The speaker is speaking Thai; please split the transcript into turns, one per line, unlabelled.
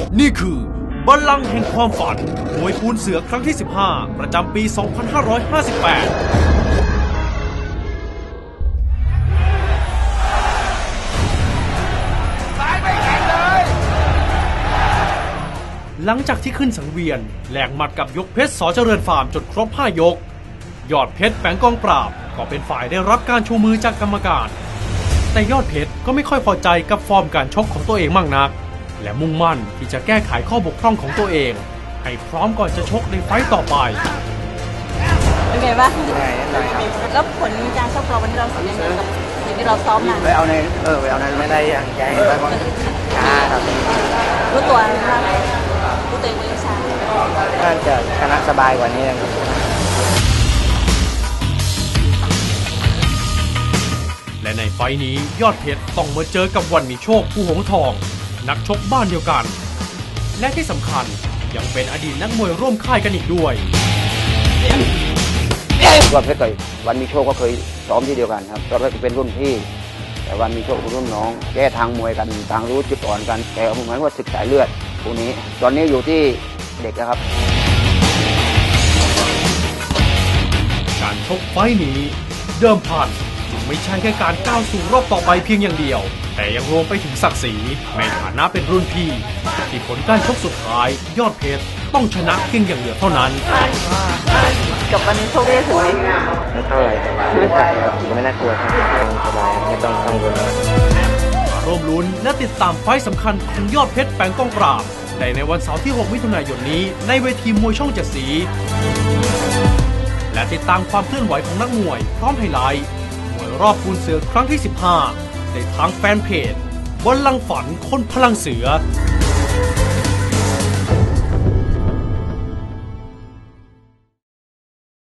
นี่คือบัลลังก์แห่งความฝันมวยปูนเสือครั้งที่ 15 ประจำปี 2558 หลังจากที่ขึ้นสังเวียนแหลกหมัดกับยกเพชรส.เจริญฟาร์มจนครบ 5 ยกยอดเพชรแฝงกองปราบก็เป็นฝ่ายได้รับการชูมือจากกรรมการแต่ยอดเพชรก็ไม่ค่อยพอใจกับฟอร์มการชกของตัวเองมากนักและมุ่งมั่นที่จะแก้ไขข้อบกพร่องของตัวเองให้พร้อมก่อนจะชกในไฟต์ต่อไป
เป็นไงบ้างแล้วผลการชกเราวันนี้เราสัญญากับสิ่งที่เราซ้อมมา
ไปเอาในไม่ได้อย่างใจไปบอลช้าครับ
รู้ตัวว่ารู้ตัวเองว่าช้า
น่าจะชนะสบายกว่านี้
และในไฟต์นี้ยอดเพชรต้องมาเจอกับวันมีโชคผู้หงทองนักชกบ้านเดียวกันและที่สำคัญยังเป็นอดีตนักมวยร่วมค่ายกันอีกด้วย
ยอดเพชรกับวันมีโชคก็เคยซ้อมที่เดียวกันครับยอดเพชรเป็นรุ่นพี่แต่วันมีโชคเป็นรุ่นน้องแก้ทางมวยกันทางรู้จุดอ่อนกันแต่เหมือนว่าศึกสายเลือดพวกนี้ตอนนี้อยู่ที่เด็กนะครับ
การชกไฟต์นี้เดิมพันไม่ใช่แค่การก้าวสู่รอบต่อไปเพียงอย่างเดียวแต่ยังรวมไปถึงศักดิ์ศรีในฐานะเป็นรุ่นพี่ที่ผลการชกสุดท้ายยอดเพชรต้องชนะเพียงอย่างเดียวเท่านั้น
กับวันนี้โชคได้ถึงไหม
ไม่เท่าไหร่ไม่ไกลครับไม่น่ากลัวครับสบายไม่ต้องกังวล
มาร่วมลุ้นและติดตามไฟต์สำคัญของยอดเพชรแฝงกองปราบในวันเสาร์ที่ 6 มิถุนายนนี้ในเวทีมวยช่อง 7 สีและติดตามความเคลื่อนไหวของนักมวยพร้อมไฮไลท์มวยรอบปูนเสือครั้งที่ 15ในทางแฟนเพจบัลลังก์ฝันคนพลังเสือ